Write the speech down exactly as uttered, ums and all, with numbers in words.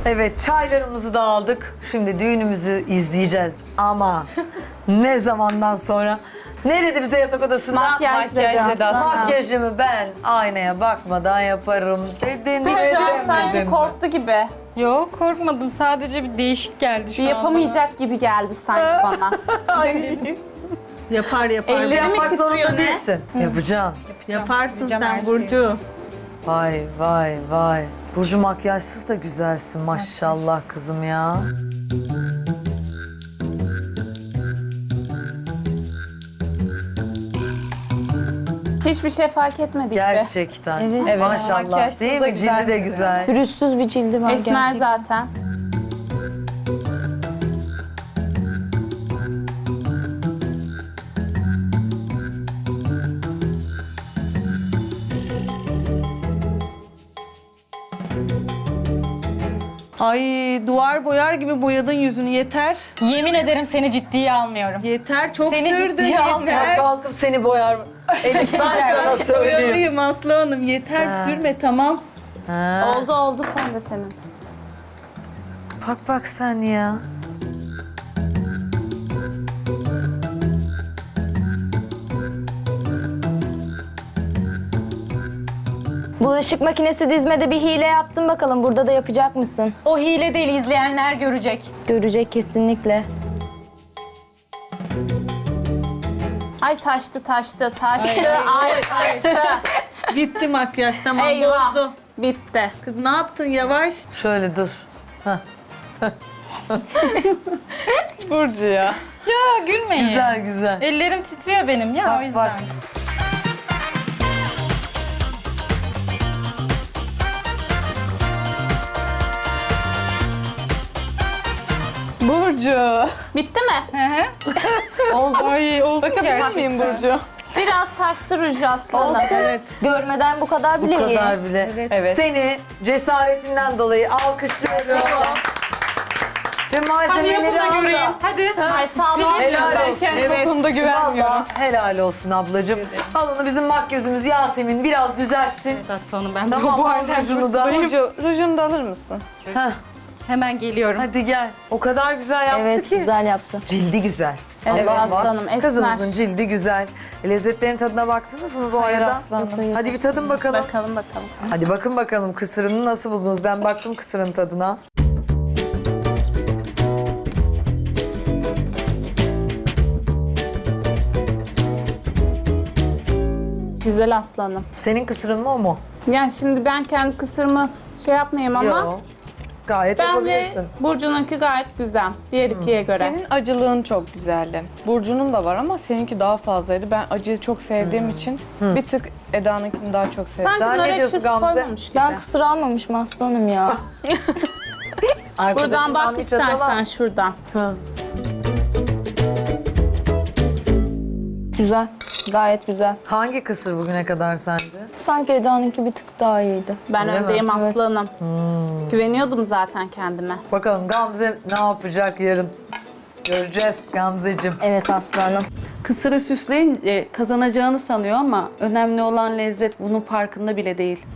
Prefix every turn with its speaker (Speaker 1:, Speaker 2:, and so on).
Speaker 1: Evet, çaylarımızı da aldık. Şimdi düğünümüzü izleyeceğiz ama ne zamandan sonra? Ne dedi bize yatak odasında?
Speaker 2: Makyajla Aslanım.
Speaker 1: Makyajımı ben aynaya bakmadan yaparım dedin.
Speaker 2: Büşra sanki
Speaker 1: demedin.
Speaker 2: korktu gibi.
Speaker 3: Yok korkmadım. Sadece bir değişik geldi şu
Speaker 2: Bir
Speaker 3: an
Speaker 2: yapamayacak gibi geldi sanki bana.
Speaker 1: Ay,
Speaker 4: Yapar yapar.
Speaker 2: Elleri mi
Speaker 1: yapmak
Speaker 2: titriyor
Speaker 1: zorunda
Speaker 2: ne?
Speaker 1: değilsin. Yapacaksın.
Speaker 4: Yaparsın
Speaker 3: Yapacağım her
Speaker 4: sen
Speaker 3: şeyi.
Speaker 4: Burcu.
Speaker 1: Vay vay vay. Burcu makyajsız da güzelsin maşallah kızım ya.
Speaker 2: Hiçbir şey fark etmedik be.
Speaker 1: Gerçekten.
Speaker 5: Evet.
Speaker 3: Evet,
Speaker 1: Maşallah
Speaker 3: makyajsız
Speaker 1: değil
Speaker 3: da
Speaker 1: mi?
Speaker 3: güzel
Speaker 1: Cildi de
Speaker 3: duruyor.
Speaker 1: güzel.
Speaker 5: Pürüzsüz bir cildi var
Speaker 2: Esmer
Speaker 5: gerçekten.
Speaker 2: zaten.
Speaker 4: Ay duvar boyar gibi boyadın yüzünü yeter.
Speaker 3: Yemin ederim seni ciddiye almıyorum.
Speaker 4: Yeter çok
Speaker 3: Seni
Speaker 4: sürdün
Speaker 3: ciddiye
Speaker 4: yeter.
Speaker 3: almıyorum.
Speaker 1: Kalkıp seni boyar. Elif ben sana söyleyeyim.
Speaker 4: Boyalıyım Aslı Hanım yeter
Speaker 1: Ha.
Speaker 4: sürme tamam.
Speaker 1: Ha.
Speaker 2: Oldu oldu fondötenin.
Speaker 1: Bak bak sen ya.
Speaker 5: Bulaşık makinesi dizmede bir hile yaptın bakalım. Burada da yapacak mısın?
Speaker 3: O hile değil, izleyenler görecek.
Speaker 5: Görecek kesinlikle.
Speaker 2: Ay taştı taştı taştı. Ay taştı.
Speaker 4: Bitti makyaj tamam
Speaker 2: Eyvah.
Speaker 4: bozdu.
Speaker 2: Bitti.
Speaker 4: Kız ne yaptın yavaş.
Speaker 1: Şöyle dur.
Speaker 3: Burcu ya. Ya gülmeyin.
Speaker 1: Güzel güzel.
Speaker 3: Ellerim titriyor benim ya o
Speaker 1: Bak
Speaker 3: yüzden.
Speaker 1: bak.
Speaker 3: Burcu.
Speaker 2: Bitti mi?
Speaker 3: Hı hı. oldu. Ay oldu gerçekten.
Speaker 4: miyim Burcu?
Speaker 2: Biraz taştı ruju aslanım.
Speaker 4: Evet.
Speaker 5: Görmeden bu kadar bile
Speaker 1: Bu
Speaker 5: iyi.
Speaker 1: kadar bile.
Speaker 4: Evet.
Speaker 1: Seni cesaretinden dolayı alkışlıyorum. Ve
Speaker 3: Hadi
Speaker 1: malzemeleri
Speaker 3: yapın da
Speaker 1: al
Speaker 3: göreyim.
Speaker 1: da.
Speaker 3: Hadi.
Speaker 2: Ay sağlam.
Speaker 1: Helal olsun.
Speaker 4: Evet.
Speaker 3: Konuda güvenmiyorum.
Speaker 1: Valla helal olsun ablacığım. Al onu bizim makyözümüz Yasemin biraz düzeltsin.
Speaker 3: Aslanım ben
Speaker 1: Tamam
Speaker 3: bu
Speaker 1: al
Speaker 3: halden
Speaker 1: rujunu da.
Speaker 4: Burcu rujunu da alır mısın?
Speaker 1: Heh,
Speaker 3: Hemen geliyorum.
Speaker 1: hadi gel. O kadar güzel yaptı
Speaker 5: Evet
Speaker 1: ki.
Speaker 5: güzel yaptın.
Speaker 1: Cildi güzel.
Speaker 2: Evet
Speaker 1: Allah
Speaker 2: aslanım,
Speaker 1: bak.
Speaker 2: esmer.
Speaker 1: Kızımızın cildi güzel. Lezzetlerin tadına baktınız mı bu arada?
Speaker 3: aslanım.
Speaker 1: Hadi bir tadın bakalım.
Speaker 2: Bakalım bakalım.
Speaker 1: Hadi bakın bakalım kısırını nasıl buldunuz? Ben baktım kısırın tadına.
Speaker 2: Güzel aslanım.
Speaker 1: Senin kısırın mı o mu?
Speaker 2: Yani şimdi ben kendi kısırımı şey yapmayayım ama
Speaker 1: Yok. Gayet
Speaker 2: ben ve
Speaker 1: yapabilirsin.
Speaker 2: Burcu'nunki gayet güzel. Diğer ikiye göre.
Speaker 6: Senin acılığın çok güzeldi. Burcu'nun da var ama seninki daha fazlaydı. Ben acıyı çok sevdiğim için bir tık Eda'nınkini daha çok sevdim.
Speaker 2: Sanki
Speaker 1: Sen ne
Speaker 2: bunlar
Speaker 1: diyorsun
Speaker 2: ekşisi
Speaker 1: Gamze?
Speaker 2: koymamış gibi.
Speaker 5: Ben kısır almamışım aslanım ya.
Speaker 2: Buradan
Speaker 1: Arkadaşından
Speaker 2: bak
Speaker 1: bir çatal al.
Speaker 2: istersen şuradan.
Speaker 1: Hı.
Speaker 5: Güzel. Gayet güzel.
Speaker 1: Hangi kısır bugüne kadar sence?
Speaker 5: Sanki Eda'nınki bir tık daha iyiydi.
Speaker 2: Ben
Speaker 1: Öyle mi?
Speaker 2: öndeyim
Speaker 5: Evet.
Speaker 2: aslanım. Güveniyordum zaten kendime.
Speaker 1: Bakalım Gamze ne yapacak yarın? Göreceğiz Gamzeciğim.
Speaker 5: Evet aslanım.
Speaker 7: Kısırı süsleyince kazanacağını sanıyor ama önemli olan lezzet bunun farkında bile değil.